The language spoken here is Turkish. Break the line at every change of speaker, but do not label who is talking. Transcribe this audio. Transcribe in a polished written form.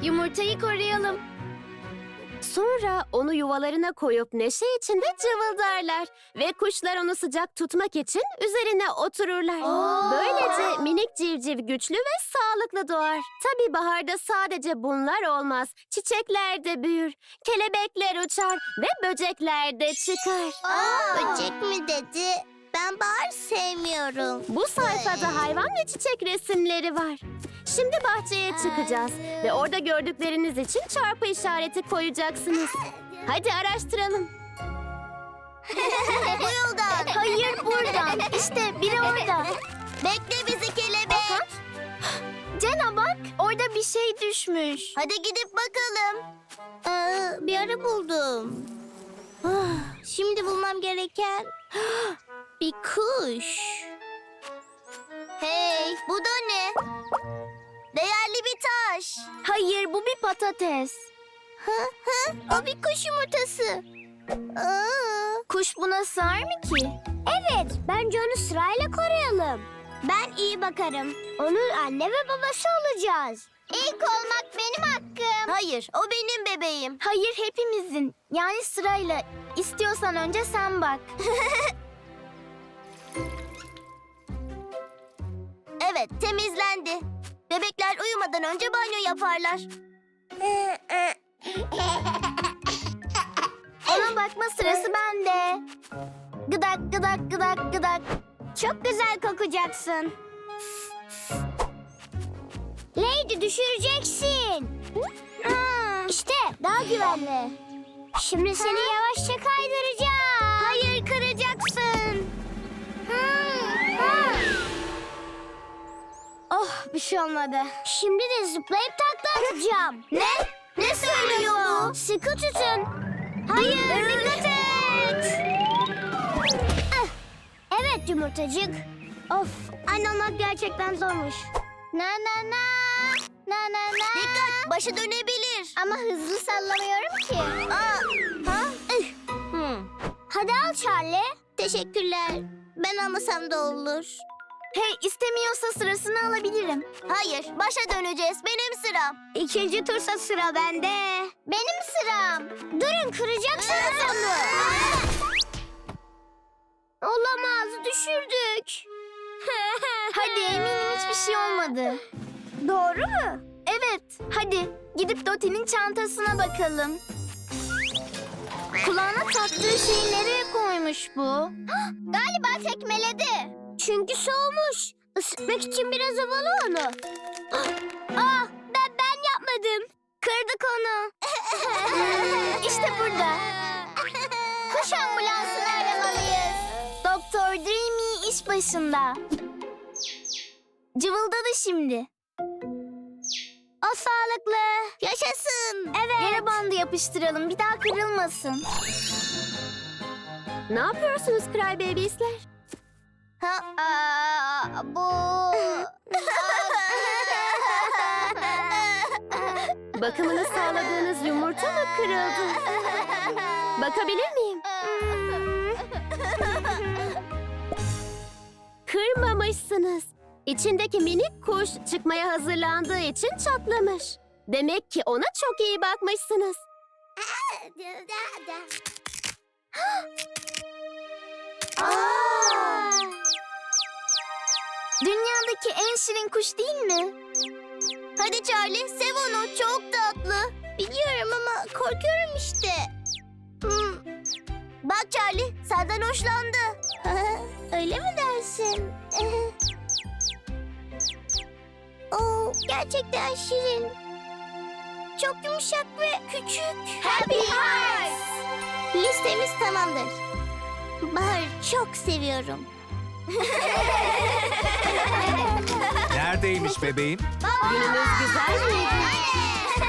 yumurtayı koruyalım.
Sonra onu yuvalarına koyup neşe içinde cıvıldarlar ve kuşlar onu sıcak tutmak için üzerine otururlar. Böylece minik civciv güçlü ve sağlıklı doğar. Tabii baharda sadece bunlar olmaz. Çiçekler de büyür, kelebekler uçar ve böcekler de çıkar.
Böcek mi dedi? Ben bahar sevmiyorum.
Bu sayfada hayvan ve çiçek resimleri var. Şimdi bahçeye çıkacağız ve orada gördükleriniz için çarpı işareti koyacaksınız. Hadi araştıralım.
Bu yoldan.
Hayır, buradan. İşte biri orada.
Bekle bizi kelebek.
Cena bak, orada bir şey düşmüş.
Hadi gidip bakalım. Bir ara buldum. Şimdi bulmam gereken bir kuş. Hey, bu da ne? Değerli bir taş.
Hayır, bu bir patates.
O bir kuş yumurtası.
Kuş buna sığar mı ki?
Evet, bence onu sırayla koruyalım. Ben iyi bakarım. Onun anne ve babası olacağız. İlk olmak benim hakkım. Hayır, o benim bebeğim.
Hayır, hepimizin. Yani sırayla. İstiyorsan önce sen bak.
Evet, temizlendi. Bebekler uyumadan önce banyo yaparlar.
Ona bakma sırası bende. Gıdak gıdak gıdak gıdak.
Çok güzel kokacaksın. Lady düşüreceksin. İşte daha güvenli. Şimdi seni yavaşça kaydıracağım. Hayır, kıracaksın.
Oh, bir şey olmadı.
Şimdi de zıplayıp takla atacağım. Ne? Ne söylüyor bu? Sıkı tutun. Hayır, dikkat et. Evet yumurtacık. Of, anne olmak gerçekten zormuş. Na na na, na na na. Dikkat, başı dönebilir. Ama hızlı sallamıyorum ki. Hadi al Charlie. Teşekkürler. Ben almasam da olur.
Hey, istemiyorsa sırasını alabilirim.
Hayır, başa döneceğiz. Benim sıram. İkinci tursa sıra bende. Benim sıram. Durun, kıracaksınız onu. Olamaz, düşürdük.
Hadi, eminim hiçbir şey olmadı.
Doğru mu?
Evet, hadi gidip Doti'nin çantasına bakalım. Kulağına taktığı şeyi nereye koymuş bu?
Galiba tekmeledi. Çünkü soğumuş. Isıtmak için biraz havalı onu. Ben yapmadım. Kırdık onu.
İşte burada.
Kuş ambulansını aramalıyız.
Doktor Dreamy iş başında. Cıvıldadı şimdi.
O sağlıklı. Yaşasın. Evet.
Yere bandı yapıştıralım, bir daha kırılmasın.
Ne yapıyorsunuz Cry Babies'ler?
Bu...
Bakımını sağladığınız yumurta mı kırıldı? Bakabilir miyim? Kırmamışsınız. İçindeki minik kuş çıkmaya hazırlandığı için çatlamış. Demek ki ona çok iyi bakmışsınız.
Dünyadaki en şirin kuş değil mi?
Hadi Charlie, sev onu. Çok tatlı. Biliyorum ama korkuyorum işte. Bak Charlie, senden hoşlandı. Öyle mi dersin? Gerçekten şirin. Çok yumuşak ve küçük. Happy Hearts. Listemiz tamamdır. Bahar'ı çok seviyorum.
Neredeymiş bebeğim?
Gününüz güzel miydi?